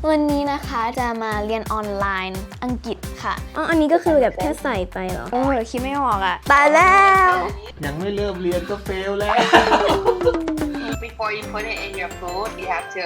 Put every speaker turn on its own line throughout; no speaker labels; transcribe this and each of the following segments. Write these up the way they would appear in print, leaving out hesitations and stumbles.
วันนี้นะคะจะมาเรียนออนไลน์อังกฤษค่ะ
อันนี้ก็คือแบบแค่ใส่ไปเหรอ
โอ้ยคิดไม่ออกอ่ะตายแล้ว
ยังไม่เริ่มเรียนก็เฟลแล้ว
Before you put it in your food, you have to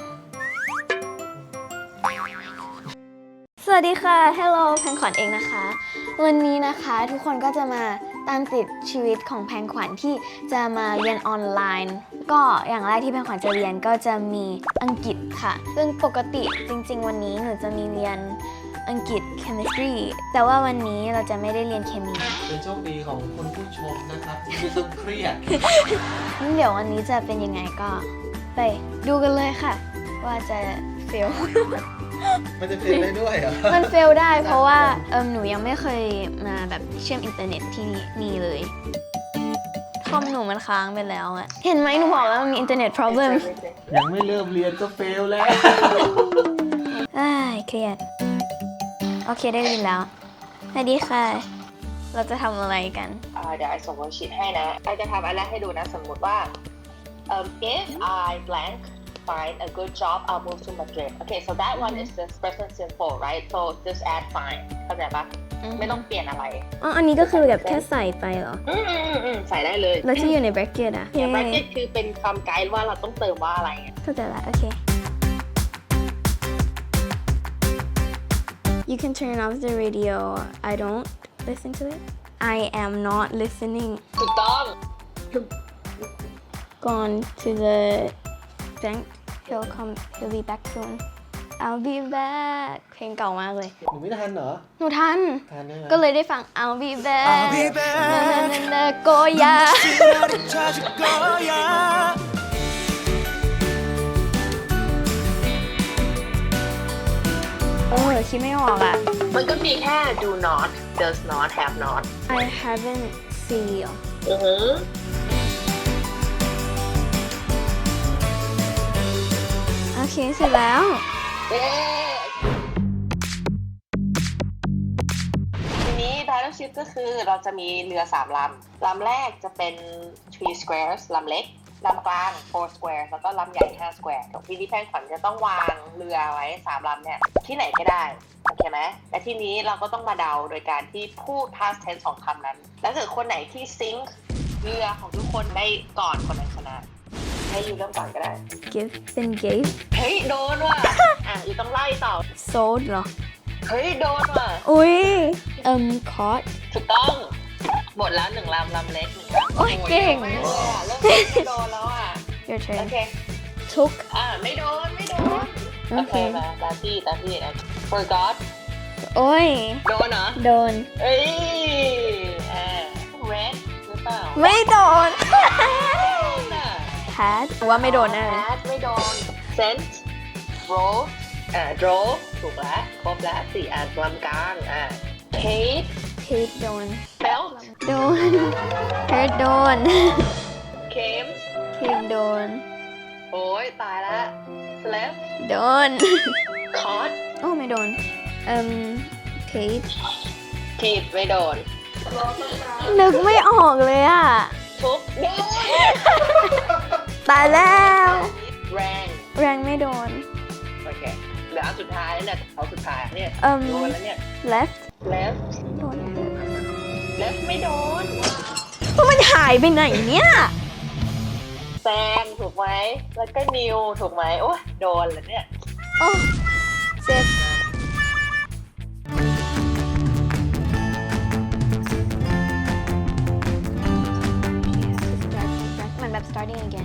สวัสดีค่ะ Hello แพงขวัญเองนะคะ วันนี้นะคะทุกคนก็จะมาตามติดชีวิตของแพงขวัญที่จะมาเรียนออนไลน์ ก็อย่างแรกที่แพงขวัญจะเรียนก็จะมีอังกฤษค่ะซึ่งปกติจริงๆวันนี้หนูจะมีเรียนอังกฤษ chemistry แต่ว่าวันนี้เราจะไม่ได้เรียนเคมี
เป็นโชคดีของคุณผู้ชมนะครับที่ไม่ต้องเครียด
งั้นเดี๋ยววันนี้จะเป็นยังไงก็ไปดูกันเลยค่ะ ว่าจะเฟล
มันจะเฟลได้ด้วยเหรอ
มันเฟลได้เพราะว่าหนูยังไม่เคยมาแบบเชื่อมอินเทอร์เน็ตที่นี่เลยคอมหนูมันค้างไปแล้วอะเห็นไหมหนูบอกแล้วมันมีอินเทอร์เน็ต problem
ยังไม่เริ่มเรียนก็เฟลแล้ว
อ้ายเครียดโอเคได้ยินแล้วสวัสดีค่ะ เราจะทำอะไรกัน
เดี๋ยวไอส่งวันชีตให้นะไอจะทำอันแรกให้ดูนะสมมติว่าif I blank find a good job I'll move to Madrid okay so that one is just present simple right so just add find เข้าใจปะไม่ต้องเปลี่ยนอะไร
อันนี้ก็คือแบบแค่ใส่ไปเหรอ
ใส่ได้เลย
แล้วที่อยู่ใน bracket อะ
เนี่ย bracket คือเป็นคำไกด์ว่าเราต้องเติมว่าอะไรไง
เข้าใจละโอเค You can turn off the radio I don't listen to it I am not listening
ถูกต้อง
gone to the bank he'll be back soon I'll be back เพลงเก่ามากเลย
หนูไม่ทันเหรอ
หนูทัน
ทันใช่ไหม
ก็เลยได้ฟัง I'll be back นาโกยาโอ้ยคิดไม่ออกอ่ะ
มันก็มีแค่ do not does not have not
I haven't seen
โอเคเสร็จแล้ว
ทีนี้ battleship ก็คือเราจะมีเรือ3 ลำแรกจะเป็น 3 squares ลำเล็กลำกลาง 4 squares แล้วก็ลำใหญ่5 square ทีนี้แพงขวัญจะต้องวางเรือไว้3 ลำเนี่ยที่ไหนก็ได้โอเคไหมและทีนี้เราก็ต้องมาเดาโดยการที่พูด past tense ของคำนั้นแล้วถ้าเกิดคนไหนที่ซิงค์เรือของทุกคนได้ก่อนคนนั้นชนะให้ยูเริ่มก่อนก็ได้
give then gave
เฮ้ยโดนว่ะ ยูต้องไล่ต่อ
sold เหรอ
เฮ้ยโดนว่ะ
อุ้ยcaught
ถูกต้องหมดแล้ว1 ลำเล็ก1 ลำ
โอ้ยเก่ง
เริ่มไม่โดนแล้วอ่ะ
your
โอ
turn
เค
took
ไม่โดนโอ
โอ
เค
เค
มาตาพี่forgot
โอ้ย
โดนเหรอ
โดน
เอ้ยred หรือเปล่า
ไม่โดน
น่ะ
had ว่าไม่โดนแน่
Bad ไม่โดน sent drove drove ถูกแล้วครบแล้ว4 อันลำกลางpaid
paid โดน
felt
โดน heard โดน
came
came โดน
โอ้ยตายละ slept
โดน
caught
โอ้ไม่โดน
paid
ผิดไม่โดน
นึกไม่ออกเลยอ่ะ
ทุกโดน
ตายแล้ว
แรง
แรงไม่โดน
โอเคเหลืออันสุดท้ายแล้วเนี่ยเอาสุดท้ายเนี่ยโดนแล้วเนี่ย
left
left
โดน
left ไม่โดน
เพราะมันหายไปไหนเนี่ย
แซงถูกไหมแล้วก็นิวถูกไหมโอ้ยโดนแล้วเนี่ย
โอ้เจ็บ มันแบบ starting again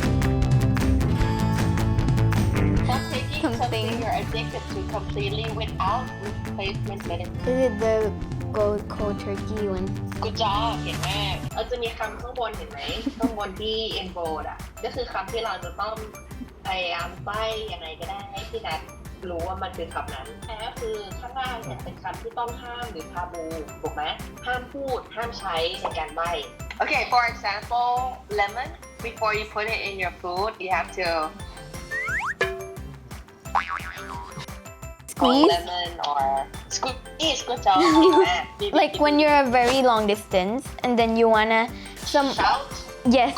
Stop taking something
Something.
you're addicted to completely without replacement medicine
Is it the cold turkey one
Good job เก่งมากเราจะมีคำข้างบนเห็นไหม ข้างบนที่ enrolled อ่ะก็คือคำที่เราจะต้องพยายามใบ้ยังไงก็ได้ให้พี่นัทรู้ว่ามันคือคำนั้นแต่ก็คือข้างล่างเนี่ยเป็นคำที่ต้องห้ามหรือทาบูถูกไหมห้ามพูดห้ามใช้ในการใบ้ Okay for example lemon before you put it in your food you have to
squeeze
lemon or squeeze good job เก่งมาก
like when you're a very long distance and then you wanna
shout
yes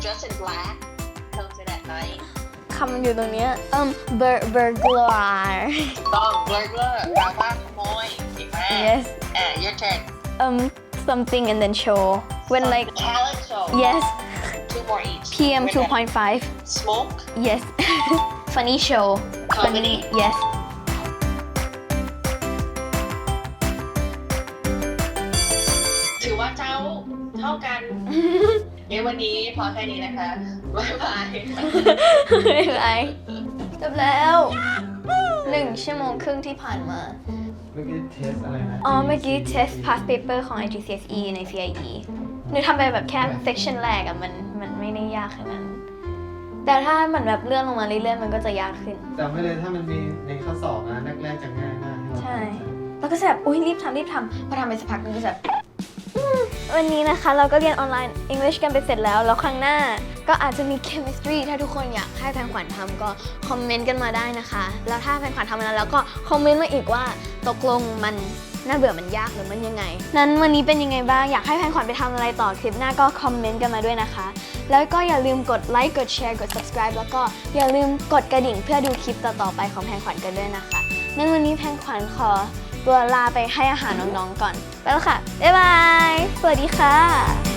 dressed in black comes in at night
คำมันอยู่ตรงเนี้ยburglar
ต้อง burglar แปลว่าขโมยเก่งมาก
yes
your turn
something and then show when like
talent show
yes
2 more each
PM
When that-
2.5
smoke
yes funny show
Comedy.
yes
ถือว่าเจ้าเท่ากัน งั้นวันนี้พอแค่นี้นะคะ บ๊ายบาย
ไม่เป็นไรจบแล้ว1 ชั่วโมงครึ่งที่ผ่านมา
เมื่อกี้เทสอะไรนะ
อ๋อ เมื่อกี้ test past paper ของ IGCSE ใน CIE หนูทำไปแบบแค่ section แรกอะมันไม่ได้ยากขนาดนั้น แต่ถ้ามันแบบเลื่อนลงมาเรื่อยๆมันก็จะยากขึ้น
จำไว้เลยถ้ามันมีในข้อสอบนะแรกๆจะง่ายมากที่เรา
ใช่ แล้วก็จะแบบอุ้ยรีบทำพอทำไปสักพักนึงก็จะแบบวันนี้นะคะเราก็เรียนออนไลน์ English กันไปเสร็จแล้ว แล้วครั้งหน้าก็อาจจะมี Chemistry ถ้าทุกคนอยากให้แพงขวัญทำก็คอมเมนต์กันมาได้นะคะ แล้วถ้าแพงขวัญทำมันแล้วก็คอมเมนต์มาอีกว่าตกลงมันน่าเบื่อมันยากหรือมันยังไง นั้นวันนี้เป็นยังไงบ้าง อยากให้แพงขวัญไปทำอะไรต่อคลิปหน้าก็คอมเมนต์กันมาด้วยนะคะ แล้วก็อย่าลืมกดไลค์กดแชร์กด subscribe แล้วก็อย่าลืมกดกระดิ่งเพื่อดูคลิปต่อๆไปของแพงขวัญกันด้วยนะคะนั้นวันนี้แพงขวัญขอตัวลาไปให้อาหารน้องๆก่อน ไปแล้วค่ะ บ๊ายบาย สวัสดีค่ะ